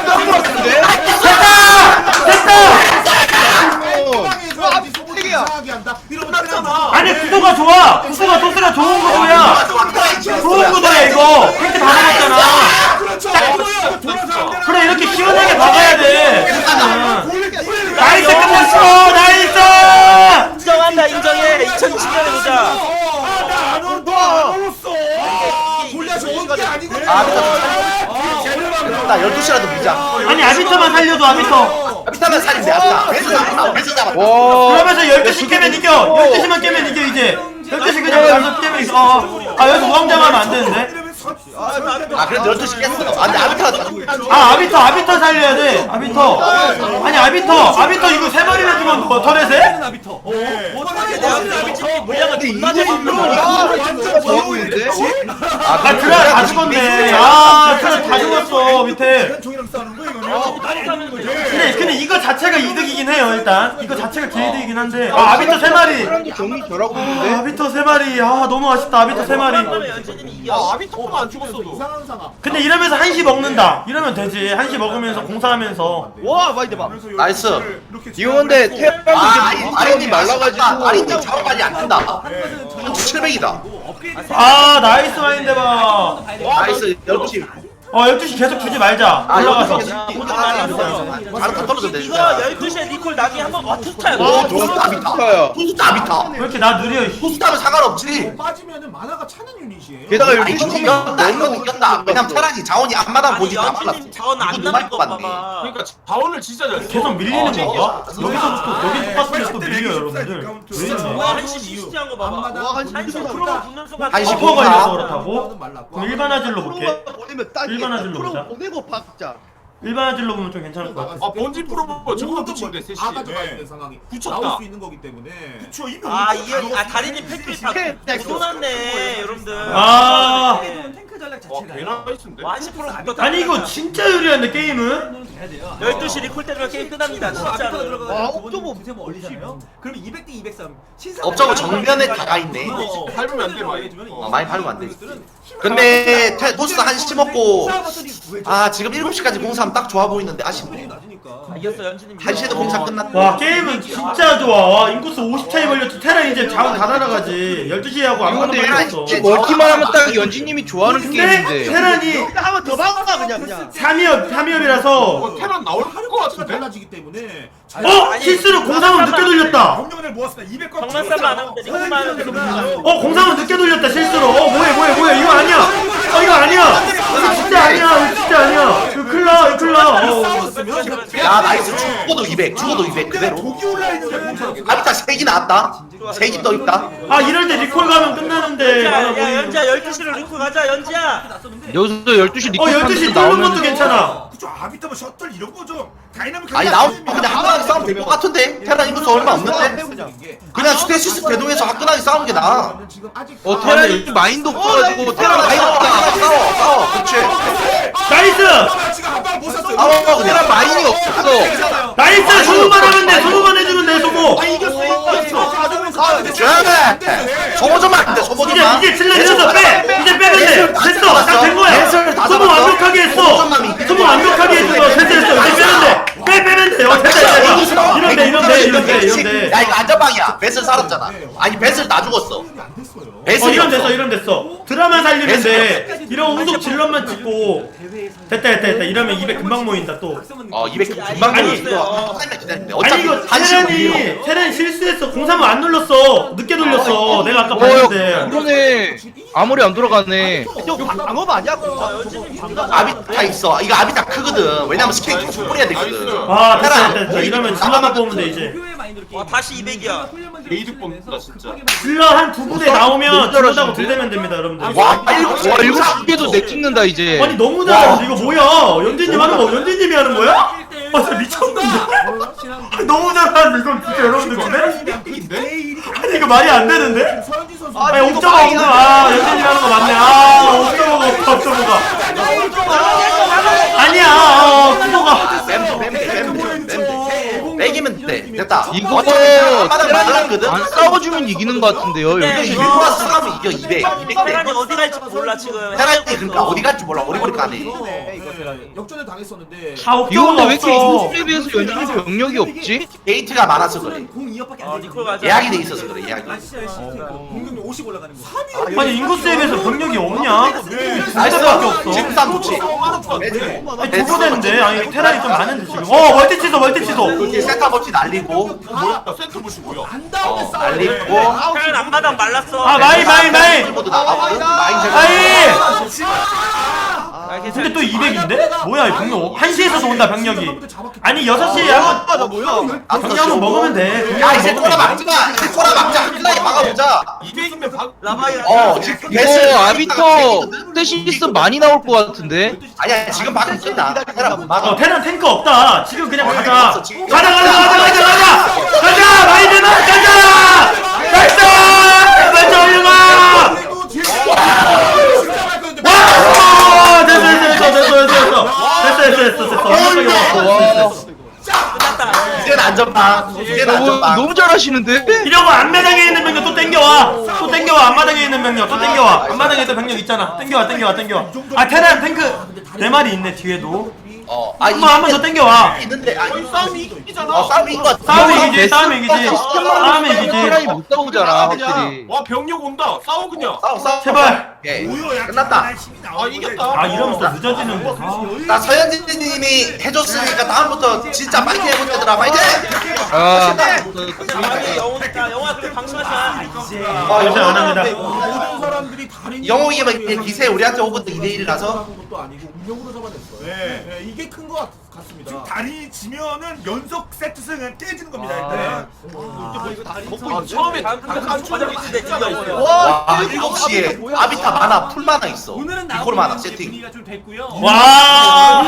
Speaker 6: 아니 구도가 좋아. 구도가 토스가 좋은 구도야. 좋은 구도야 이거. 팩트 다 나갔잖아. 그래 이렇게 시원하게 박아야 돼. 나이스 끝났어. 나이스.
Speaker 1: 인정한다 인정해. 이천이십 년에 보자.
Speaker 5: 나 열두 시라도 밀자.
Speaker 6: 아니 아비터만 살려줘 아비터.
Speaker 5: 비타면 살인데 아까. 배서 잡았다. 배서 잡았다.
Speaker 6: 그러면서 열두 시 깨면 이겨. 열두 시만 깨면 이겨 이제. 열두 시 그냥 여기서 깨면 이겨. 어. 아 여기서 무함장하면 안 되는데.
Speaker 5: 아 그래도 열두 시 깼어. 아 근데 아비타가
Speaker 6: 아 아비터 아비터 살려야 돼. 아비터. 아니 아비터 아비터 이거 세 마리나 주면 뭐 터렛에?
Speaker 1: 물량을 존나 잘
Speaker 2: 좋아 보이는데?
Speaker 6: 아 드라 다 죽었네. 아 드라 다 죽었어 밑에.
Speaker 10: 종이랑 싸우는 거 이거는.
Speaker 6: 근데 근데 이거 자체가 이득이긴 해요 일단. 이거 자체가 개이득이긴 한데. 아 아비터 세 마리.
Speaker 2: 사람도 정리 잘하고
Speaker 6: 아,
Speaker 2: 있는데?
Speaker 6: 아비터 세 마리. 아 너무 아쉽다 아비터 세 마리.
Speaker 4: 아 아비토가 안 죽었어도.
Speaker 7: 이상한 상황.
Speaker 6: 근데 이러면서 한시 먹는다. 이러면 되지. 한시 먹으면서 공사하면서.
Speaker 3: 와, 많이 대박.
Speaker 5: 나이스.
Speaker 2: 이거 근데 태양도
Speaker 5: 아
Speaker 2: 이제
Speaker 5: 아린이
Speaker 2: 물이 말라가지고
Speaker 5: 아린이 작업 빨리 안 된다. 칠백이다.
Speaker 6: 아 나이스 마인드 봐.
Speaker 5: 나이스 열두 시.
Speaker 6: 어 열두 시 계속 주지 말자.
Speaker 5: 아
Speaker 6: 올라가서.
Speaker 5: 바로 다 떨어졌네.
Speaker 1: 이거 열두 시에 니콜 나기 한번 와 투스타야.
Speaker 5: 오 토스타 아비타. 토스타 아비타.
Speaker 6: 왜 이렇게 나 느려? 이
Speaker 5: 토스타면 상관없지.
Speaker 7: 빠지면은 만화가 차는 유닛이에요.
Speaker 2: 게다가
Speaker 5: 아니
Speaker 2: 열두
Speaker 5: 이거
Speaker 2: 시
Speaker 5: 이겼다 이거 이겼다. 왜냐면 테란이 자원이 앞마당 보지 다 말랐어.
Speaker 1: 연진님 자원 안
Speaker 5: 이거
Speaker 1: 남을
Speaker 5: 누가
Speaker 1: 거
Speaker 5: 봤네.
Speaker 1: 봐봐.
Speaker 4: 그러니까 자원을 진짜 잘 써.
Speaker 6: 계속 밀리는
Speaker 5: 어,
Speaker 6: 건가?
Speaker 5: 진짜.
Speaker 6: 여기서부터 여기 똑같은데 또 밀려
Speaker 10: 네,
Speaker 6: 여러분들. 왜 이러냐?
Speaker 1: 와 한시 시시한 거 봐봐.
Speaker 7: 앞마당
Speaker 3: 와, 한시
Speaker 1: 한시
Speaker 3: 밀리는
Speaker 1: 프로가 붙는 순간
Speaker 5: 한시
Speaker 6: 버퍼
Speaker 5: 공사.
Speaker 6: 걸려서 그렇다고? 그럼 일반 화질로 볼게.
Speaker 3: 보내면 딱
Speaker 6: 일반 화질로 보자.
Speaker 3: 보내고 박자.
Speaker 6: 일반 화질로 보면 좀 괜찮을 것 같아.
Speaker 4: 아 번지 프로 저거 붙인대 셋이.
Speaker 7: 다 가져가 있는 상황이
Speaker 4: 붙였다.
Speaker 7: 나올 수 있는 거기 때문에.
Speaker 10: 그쵸 이미
Speaker 1: 아 이게 아 다리님 팩트리 다 쏟았네 여러분들.
Speaker 6: 아
Speaker 8: 탱크 전략
Speaker 4: 와
Speaker 8: 자체가
Speaker 4: 개나이스인데.
Speaker 1: 와 한시 프로 붙었다.
Speaker 6: 아니 이거 진짜 유리한데 게임은?
Speaker 8: 돼야 돼요.
Speaker 1: 열두 시 리콜 때리면 게임 끝납니다
Speaker 8: 아비터가
Speaker 1: 진짜로.
Speaker 8: 들어가서
Speaker 3: 와,
Speaker 8: 두
Speaker 3: 옥저버
Speaker 8: 번째 뭐 올리잖아요. 그럼 이백 대 이백삼.
Speaker 5: 업적은 정면에 다가 있네.
Speaker 4: 어, 밟으면 안 돼, 많이.
Speaker 5: 어, 많이 밟으면 안 되지. 근데 테, 토스 한시 먹고 아 지금 일곱 시까지 공사하면 딱 좋아 보이는데 아쉽네.
Speaker 1: 아, 이겼어 연진님.
Speaker 5: 한 시에도 공사 끝났다.
Speaker 6: 와 게임은 진짜 좋아. 와 인구수 오십 차이 걸렸지. 테란 이제 자원 다 날아가지. 열두 시에 하고
Speaker 2: 이거
Speaker 6: 아무것도
Speaker 2: 근데
Speaker 6: 걸렸어.
Speaker 2: 이렇게 멀티만 하면 딱 연진님이 좋아하는
Speaker 6: 근데
Speaker 2: 게임인데
Speaker 6: 테란이
Speaker 3: 한번 더 박아 그냥 그냥.
Speaker 6: 삼위업 삼위업이라서
Speaker 4: 어, 테란 나올 것 같은데.
Speaker 7: 달라지기 때문에.
Speaker 6: 어 실수로 공삼원 늦게 돌렸다.
Speaker 10: 경력을 모았습니다. 이백 건.
Speaker 1: 정말 안 하면 돼. 리콜만 하면 돼.
Speaker 6: 어 공삼원 늦게 돌렸다 실수로. 어 뭐해 뭐해 뭐해 이거 아니야. 어 이거 아니야. 이거 진짜 아니야. 이거 진짜 아니야. 이거 클라 이거 클라. 어.
Speaker 5: 야 나이스 죽어도 이백 죽어도 이백 그대로.
Speaker 10: 독이 올라 있는데.
Speaker 5: 아비타 색이 나왔다. 색이 더 있다.
Speaker 6: 아 이럴 때 리콜 가면 끝나는데. 아,
Speaker 1: 야,
Speaker 6: 뭐
Speaker 1: 야
Speaker 6: 이거.
Speaker 1: 연지야 열두 시로 리콜 가자 연지야.
Speaker 2: 여기서 열두 시
Speaker 6: 어
Speaker 2: 리콜
Speaker 6: 열두 시 뚫는
Speaker 2: 나오면
Speaker 6: 것도 괜찮아.
Speaker 10: 그쵸 아비타면 셔틀 이런 거 좀 다이나믹하게.
Speaker 5: 아니 나오면 그냥 화끈하게 싸우면 될 것 같은데. 테란 인구수 얼마 없는데. 그냥 스테시스 대동해서 화끈하게 싸우는 게 나아.
Speaker 7: 지금 아직
Speaker 2: 어 테란이 마인드 없어가지고 테란
Speaker 5: 아이
Speaker 2: 마인드
Speaker 5: 없다.
Speaker 2: 없다
Speaker 5: 싸워 싸워. 그렇지.
Speaker 6: 나이스.
Speaker 10: 지금 한방 못 샀어요.
Speaker 5: 싸워 그냥
Speaker 2: 테란 마인이 없어
Speaker 6: 나이스 소모만 하면 돼. 소모만 해주면 돼 소모.
Speaker 5: 쟤네. 소모 좀 안 돼. 소모 좀
Speaker 6: 이제
Speaker 5: 마.
Speaker 6: 이제 질러 내려서 빼. 이제 빼면 돼. 됐어. 딱 된 거야. 소모 완벽하게 했어. 소모 완벽하게 했어. 됐어 됐어. 이제 빼면 돼. 빼 빼면 돼. 어 됐다 됐다. 이런 돼 이런 돼 이런 돼 이런 돼.
Speaker 5: 야 이거 안전방이야. 베슬 살았잖아. 아니 베슬 나 죽었어.
Speaker 7: 안 됐어요.
Speaker 6: 어
Speaker 5: 베슬
Speaker 6: 이런 됐어 이런 됐어. 드라마 살리면 돼. 이런 후속 질럿만 찍고. 됐다 됐다 됐다. 이러면 이백 금방 모인다 또.
Speaker 5: 어 이백 금방
Speaker 6: 아니,
Speaker 5: 이거 기다리는데
Speaker 6: 아니
Speaker 5: 어차피
Speaker 6: 이거
Speaker 5: 한 시간
Speaker 6: 테란이 테란 실수했어. 공삼을 안 눌렀어. 늦게 돌렸어. 내가 아까
Speaker 2: 어
Speaker 6: 봤는데.
Speaker 2: 그러네 아무리 안 돌아가네
Speaker 3: 이거 방업 아니야?
Speaker 5: 아비타 있어. 이거 아비타 크거든. 왜냐면 스케일 계속 뿌려야 되거든.
Speaker 6: 아 됐다 됐다 됐다. 이러면 질럿만 뽑으면 돼 이제.
Speaker 1: 와 다시 이백이야.
Speaker 4: 메이드 뽑는다 진짜.
Speaker 6: 질럿 한 두 부대 나오면 질럿하고 들대면 됩니다 여러분들.
Speaker 5: 와 일곱
Speaker 2: 와 일곱 시 개도 내 찍는다 이제
Speaker 6: 아니 너무 잘하는데 이거 뭐야? 연진님 하는 거 연진님이 하는 거야?
Speaker 1: 일 대 일
Speaker 6: 아 진짜 미쳤는데? 너무 잘하는데 이건 진짜 여러분들 근데? 아니 이거 말이 안 되는데?
Speaker 7: 서현진 선수
Speaker 6: 아니 옥저버 없는 아 연진이 하는 거 맞네 아 옥저버가 없다 옥저버가 아니야 어 그거가
Speaker 5: 뱀, 뱀, 뱀, 뱀, 뱀. 빼기면 돼. 됐다.
Speaker 2: 이거
Speaker 5: 어차피 한마당 말랐거든.
Speaker 2: 안 싸워주면 이기는 것 같은데요.
Speaker 5: 근데
Speaker 2: 여기
Speaker 5: 이백 퍼센트 싸우면 이겨 이백. 이백 대.
Speaker 1: 테란이 어디 갈지 몰라 지금.
Speaker 5: 테란이 그러니까 어디 갈지 몰라. 어리버리 까네.
Speaker 7: 역전을 당했었는데
Speaker 6: 다
Speaker 2: 이거 근데
Speaker 6: 옥저버가
Speaker 2: 왜 이렇게
Speaker 6: 없어
Speaker 2: 인구수에 비해서 연준이 병력이 없지?
Speaker 5: 게이트가 많아서 그래.
Speaker 8: 공 이 억밖에
Speaker 1: 어
Speaker 8: 안 돼.
Speaker 1: 니콜 가자.
Speaker 5: 예약이 돼 있어서 그래. 예약이.
Speaker 8: 아 진짜 공격력 오십 올라가는 거.
Speaker 6: 아니 인구수에 비해서 병력이 없냐?
Speaker 5: 나이스.
Speaker 6: 나이스밖에 없어
Speaker 5: 지금 싸움 좋지.
Speaker 6: 아니 두고 되는데 아니 테란이 좀 많은데 지금 어 멀티 취소 멀티 취소
Speaker 5: 이렇게 센터 버치 날리고
Speaker 4: 뭐야? 센터 보시 뭐야?
Speaker 7: 안 다음에
Speaker 5: 어,
Speaker 7: 싸워.
Speaker 5: 날리고
Speaker 1: 테란 앞마당 말랐어.
Speaker 6: 아 마이 마이 마이
Speaker 5: 모두 나가거든. 마인 제거.
Speaker 6: 아이 근데 또 이백인데? 뭐야 이 병력 한 시에서도 온다 병력이 아니 여섯 시에
Speaker 3: 아, 나 뭐야?
Speaker 6: 병력은 먹으면 돼
Speaker 5: 야 이제 꼬라 막지 마. 이제 꼬라 막자. 클라이 막아보자.
Speaker 4: 이백이면 박.
Speaker 1: 라바이.
Speaker 5: 어 지금
Speaker 2: 이거 아비터 스테시스 많이 나올 것 같은데?
Speaker 5: 아니야 지금 막으면 된다. 테란
Speaker 6: 어
Speaker 5: 막아.
Speaker 6: 테란 탱크 없다 지금 그냥
Speaker 5: 어,
Speaker 6: 가자
Speaker 5: 탱크 없어, 지금.
Speaker 6: 가자 가자 가자 가자 가자 가자 마이드나 가자 나이스 나이스 올려봐
Speaker 7: 그리고 뒤에 진짜 말 건데.
Speaker 6: 와 됐어 됐어 됐어 됐어 됐어 됐어 됐어 됐어 됐어 됐어
Speaker 1: 끝났다.
Speaker 5: 이제는 안전빵. 이제는
Speaker 2: 어,
Speaker 5: 안전빵.
Speaker 2: 너무 잘하시는데?
Speaker 6: 이러고 앞마당에 있는 병력 또 땡겨와 또 땡겨와 앞마당에 있는 병력 또 땡겨와 앞마당에 있는 병력 있잖아 땡겨와 땡겨와 땡겨와 아 테란 탱크 네 마리 있네 뒤에도
Speaker 5: 어. 아
Speaker 6: 한번 한번 더 땡겨와
Speaker 5: 있는데 아
Speaker 4: 거의 싸움이 이기잖아.
Speaker 5: 어 싸움이 이거.
Speaker 6: 싸움이 이기지 싸움이 이기지 싸움이
Speaker 2: 테란이
Speaker 6: 이기지
Speaker 2: 못 싸우잖아 확실히.
Speaker 4: 와 병력 온다. 싸워 그냥.
Speaker 5: 싸워 싸워.
Speaker 6: 제발
Speaker 5: 예.
Speaker 10: 뭐야?
Speaker 5: 끝났다.
Speaker 4: 아 이겼다.
Speaker 6: 아 이러면서 늦어지는데 아.
Speaker 5: 나 서현진님이 해줬으니까 다음부터 진짜 파이팅 해볼 때들아 파이팅!
Speaker 2: 아,
Speaker 1: 라바이 영웅이다. 영웅아 그래 방심하지 마.
Speaker 5: 어,
Speaker 6: 요새 안 합니다.
Speaker 7: 모든 사람들이 다른
Speaker 5: 영웅이면 기세 우리한테 오거든 이 대 일이라서.
Speaker 7: 것도 아니고 운명으로 잡아냈어요.
Speaker 10: 네.
Speaker 7: 네, 이게 큰 것 같습니다.
Speaker 10: 지금 다리 지면은 연속 세트승 그냥 깨지는 겁니다.
Speaker 3: 아.
Speaker 10: 일단.
Speaker 7: 아, 이거 다리
Speaker 1: 아, 처음에 단판 초반에 있는데 찔려 있어요.
Speaker 5: 와 일곱 시에 아비타 많아 풀 많아 있어.
Speaker 8: 오늘은
Speaker 5: 이콜 많아
Speaker 8: 나오는
Speaker 5: 세팅.
Speaker 8: 분위기가 좀 됐고요.
Speaker 6: 와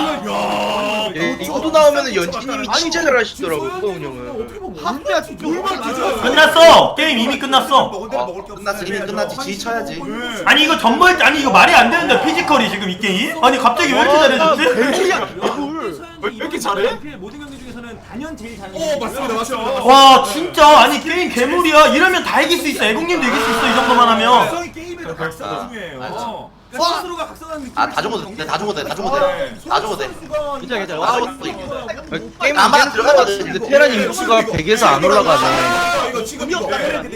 Speaker 2: 예, 이것도 나오면은 연진님이 진짜 잘하시더라고 소은 형은.
Speaker 7: 어떻게 보면
Speaker 3: 한대야 진짜
Speaker 7: 물만 맞아.
Speaker 6: 끝났어 게임 이미 끝났어
Speaker 10: 먹은 대로
Speaker 5: 어,
Speaker 10: 먹을 게 없어.
Speaker 5: 끝났어 이미 끝났지 지휘 쳐야지.
Speaker 10: 네.
Speaker 6: 아니 이거 전벌 아니 이거 말이 안 되는데 피지컬이 지금 이 게임? 아니 갑자기 왜 이렇게 잘해졌지?
Speaker 3: 개꿀이야 개꿀.
Speaker 4: 왜 이렇게 잘해?
Speaker 8: 모든 경기 중에서는 단연 제일 잘하는.
Speaker 7: 오 맞습니다 맞습니다.
Speaker 6: 와 진짜 아니 게임 괴물이야 이러면 다 이길 수 있어 애국님도 이길 수 있어 이 정도만 하면
Speaker 10: 성이 게임에서 각성이 중요해요.
Speaker 8: 그러니까 스스로가 각성하는 느낌.
Speaker 5: 아 다 죽어도 돼, 다 죽어도 돼, 다 죽어도 돼, 다 죽어도 돼.
Speaker 3: 괜찮아 괜찮아.
Speaker 5: 다
Speaker 3: 아,
Speaker 5: 죽어도 돼.
Speaker 2: 게임
Speaker 5: 나만 들어가거든.
Speaker 2: 근데 테란 인구수가 백에서 안 올라가네.
Speaker 7: 아, 이거 지금 이거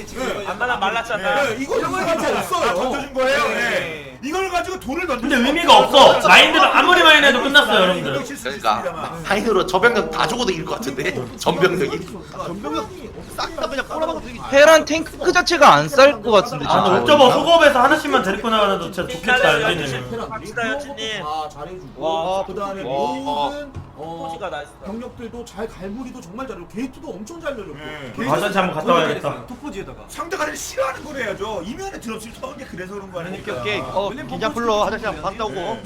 Speaker 1: 앞마당 말랐잖아.
Speaker 7: 네, 이거 이거 가지고
Speaker 10: 다
Speaker 7: 없어요.
Speaker 10: 던져준 거예요. 네. 이걸 가지고 돌을 던져.
Speaker 6: 근데 의미가 없어 마인드가 아무리 많이 해도 끝났어요 여러분들
Speaker 5: 그러니까 파이너로 저 병력 다 죽어도 이길 것 같은데 전 병력이.
Speaker 3: 전병력 싹다 그냥 꼬라박아 되게.
Speaker 2: 테란 탱크 자체가 안 쌀 것 같은데
Speaker 6: 아
Speaker 2: 진짜.
Speaker 6: 옥저버 소급에서 하나씩만 데리고 나가도 진짜 좋겠다 연진님
Speaker 1: 갑시다 연진님.
Speaker 7: 다 잘해주고
Speaker 1: 와,
Speaker 7: 그다음에
Speaker 1: 와.
Speaker 7: 모든 어,
Speaker 1: 포지가 나이스다.
Speaker 7: 병력들도 잘 갈무리도 정말 잘하고 게이트도 엄청 잘 열렸고.
Speaker 10: 네.
Speaker 7: 게이트
Speaker 6: 화장실 한번 갔다 와야겠다
Speaker 8: 톱포지에다가.
Speaker 10: 상대가 싫어하는 걸 해야죠. 이면에 들었을 때 게 그래서 그런 거 아니니까.
Speaker 3: 오케이. 어 긴장 풀러 화장실 한번 갔다 오고.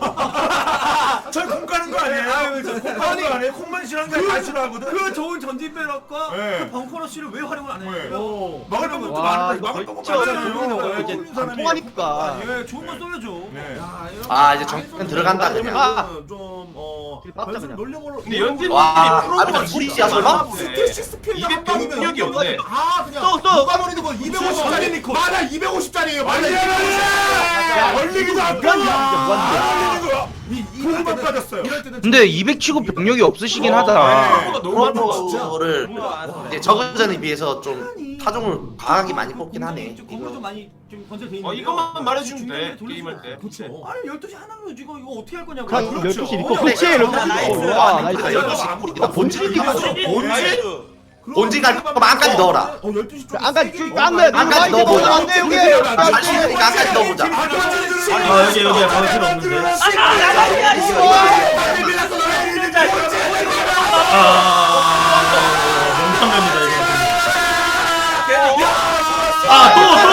Speaker 10: 저콩 가는 거 아니에요? 콩 가는 거 아니에요? 콩만 싫어하는 거 다 싫어하거든.
Speaker 8: 그 좋은 전진 배럭과
Speaker 10: 네.
Speaker 8: 그 벙커러쉬를 왜 활용을 안
Speaker 10: 네.
Speaker 8: 해요?
Speaker 10: 먹을 것도
Speaker 3: 와,
Speaker 10: 많은데
Speaker 3: 이거
Speaker 10: 먹을 것도
Speaker 3: 진짜
Speaker 10: 많잖아요.
Speaker 3: 이제
Speaker 10: 모르는 사람이.
Speaker 3: 안 통하니까.
Speaker 8: 예, 좋은 건 쏠려줘.
Speaker 10: 네.
Speaker 7: 야, 이런
Speaker 5: 아, 이제 정권 들어간다, 그냥.
Speaker 7: 아, 좀 어,
Speaker 3: 빡다,
Speaker 7: 변수를
Speaker 3: 그냥.
Speaker 7: 놀려보려.
Speaker 4: 근데 연진
Speaker 5: 와 아비타 둘이지야 설마?
Speaker 7: 스테이시 스피드
Speaker 4: 이백
Speaker 7: 한 방이면
Speaker 4: 병력이 없네.
Speaker 7: 아 그냥
Speaker 3: 또, 또.
Speaker 7: 누가 버리는 거 이백오십 짜리 맞아 이백오십 짜리예요. 맞아
Speaker 10: 야, 걸리기도 안
Speaker 3: 무한대
Speaker 10: 가.
Speaker 3: 무한대.
Speaker 10: 공만 빠졌어요.
Speaker 7: 이럴 때는
Speaker 2: 근데 이백 치고 병력이 없으시긴
Speaker 5: 어,
Speaker 2: 하다.
Speaker 5: 프로토를 이제 저그전에 비해서 좀 타종을 강하게 많이 뽑긴 하네.
Speaker 8: 공을 좀 많이 좀 건설돼 있는.
Speaker 4: 어 이것만 말해주면 돼 게임할 때.
Speaker 7: 그렇죠.
Speaker 8: 아니 열두 시 하나면 이거 이거 어떻게 할 거냐고.
Speaker 3: 그
Speaker 10: 그렇죠.
Speaker 3: 열두 시 리코. 그렇지 열두 시 리코. 와 나이스.
Speaker 5: 열두 시 나 본질 이거
Speaker 1: 본질?
Speaker 5: 본질 갈 거면 안까지 넣어라.
Speaker 7: 어 열두 시 좀
Speaker 3: 안가
Speaker 7: 세게
Speaker 3: 깐거야.
Speaker 5: 안까지 넣어보자.
Speaker 3: 안돼 여기.
Speaker 5: 자신 있으니까 안까지 넣어보자.
Speaker 6: 아 여기 여기 거실 없는데 아 명탐입니다 이거 아또 또?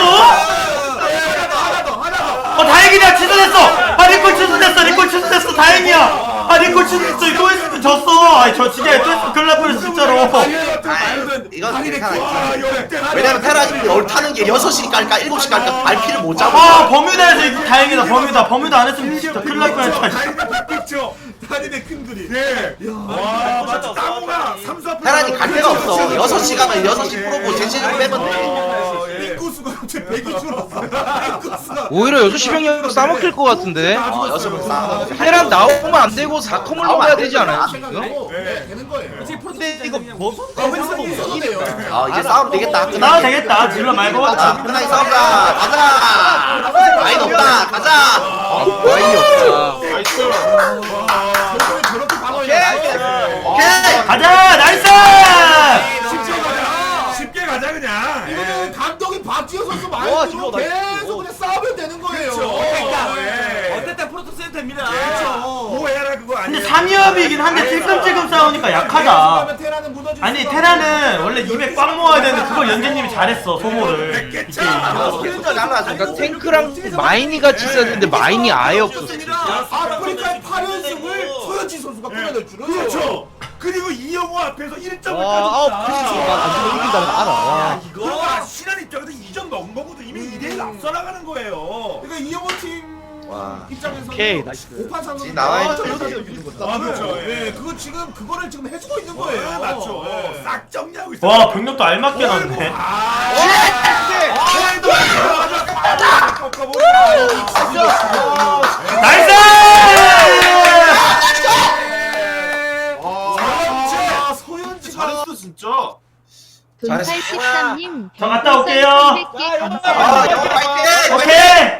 Speaker 6: 어 다행이다 취소됐어 아 리콜 취소됐어 리콜 취소됐어 다행이야 아 리콜 진짜 또 했으면 졌어. 아니 저 진짜 또 했으면 큰일 날 뻔했어 진짜로.
Speaker 5: 이건 괜찮아. 왜냐면 테란이 얼타는 게 여섯 시 깔까 일곱 시 깔까 발피를 못 잡아.
Speaker 6: 아 버뮤다에서 이거 다행이다. 버뮤다 버뮤다 안 했으면 진짜 큰일 날 뻔했다.
Speaker 10: 그렇죠.
Speaker 7: 단인의 큰 그림.
Speaker 10: 네. 와, 맞지. 땅우가 삼수 앞에
Speaker 5: 테란이 갈 데가 없어. 여섯 시 가면 여섯 시 프로고 제시를 빼면 돼.
Speaker 7: 인구수가 갑자기 백이 줄었어. 인구수가.
Speaker 2: 오히려 여섯 시 병력 싸먹힐 것 같은데.
Speaker 5: 어, 여섯 번 싸.
Speaker 2: 테란 나오면 안 되고 사 컴을 먹어야 되지 않아요 지금?
Speaker 7: 네, 되는 거예요.
Speaker 8: 근데
Speaker 3: 이거 뭐
Speaker 7: 이래요.
Speaker 5: 아 이제 싸움 되겠다.
Speaker 6: 나도 되겠다. 질러 말고.
Speaker 5: 자, 끝나게 싸우자. 가자. 라인 없다. 가자.
Speaker 2: 라인이 없다.
Speaker 4: 나이스.
Speaker 7: 결국에 저렇게 방어해.
Speaker 5: 오케이.
Speaker 6: 가자 나이스.
Speaker 10: 쉽게 가자. 쉽게 가자 그냥.
Speaker 7: 이거는 감독이 박지호 선수
Speaker 3: 와,
Speaker 7: 말대로
Speaker 3: 지금 나이스.
Speaker 7: 계속 그냥 싸우면 되는 거예요.
Speaker 10: 그러니까. 예.
Speaker 8: 어쨌든 프로토스 센터입니다.
Speaker 10: 뭐 해라 그거
Speaker 6: 근데
Speaker 10: 아니에요.
Speaker 6: 삼 위업이긴 한데 찔끔찔끔 싸우니까 약하다.
Speaker 7: 그러면 테라는 무너질
Speaker 6: 아니
Speaker 7: 수가
Speaker 6: 테라는
Speaker 7: 없고.
Speaker 6: 원래 입에 꽉 모아야 되는데 그걸 연재님이 잘했어 소모를.
Speaker 10: 됐겠죠.
Speaker 2: 그러니까 탱크랑 마인이 같이 있었는데 마인이 아예 없었어.
Speaker 7: 아프리카의 팔 연승을 소연지 선수가 끊어낼 줄은.
Speaker 10: 그렇죠. 그리고 이영호 앞에서 일 점을
Speaker 3: 와, 아홉
Speaker 10: 따줬다.
Speaker 3: 안 주면 이긴다는 거 알아. 와.
Speaker 10: 그러니까 신한 입장에서 이 점 넣은 거거든. 이미 이 대 일 앞서 나가는 거예요.
Speaker 7: 그러니까 이영호 팀
Speaker 5: 와.
Speaker 7: 입장에서는
Speaker 3: 오케이, 나이스.
Speaker 7: 오판 상승
Speaker 5: 지금 나와 있죠.
Speaker 10: 아, 그렇죠. 예.
Speaker 7: 네, 그거 지금 그거를 지금 해주고 있는
Speaker 10: 어,
Speaker 7: 거예요.
Speaker 10: 맞죠.
Speaker 7: 네.
Speaker 10: 싹 정리하고 있어.
Speaker 6: 와 병력도 알맞게 났네.
Speaker 10: 아,
Speaker 6: 나이스.
Speaker 7: 아, 소연지가
Speaker 4: 잘했어 진짜.
Speaker 9: 돈팔십삼 님
Speaker 6: 저 갔다 올게요.
Speaker 9: 개
Speaker 5: 아,
Speaker 9: 감사합니다.
Speaker 5: 여기 파이팅.
Speaker 6: 오케이.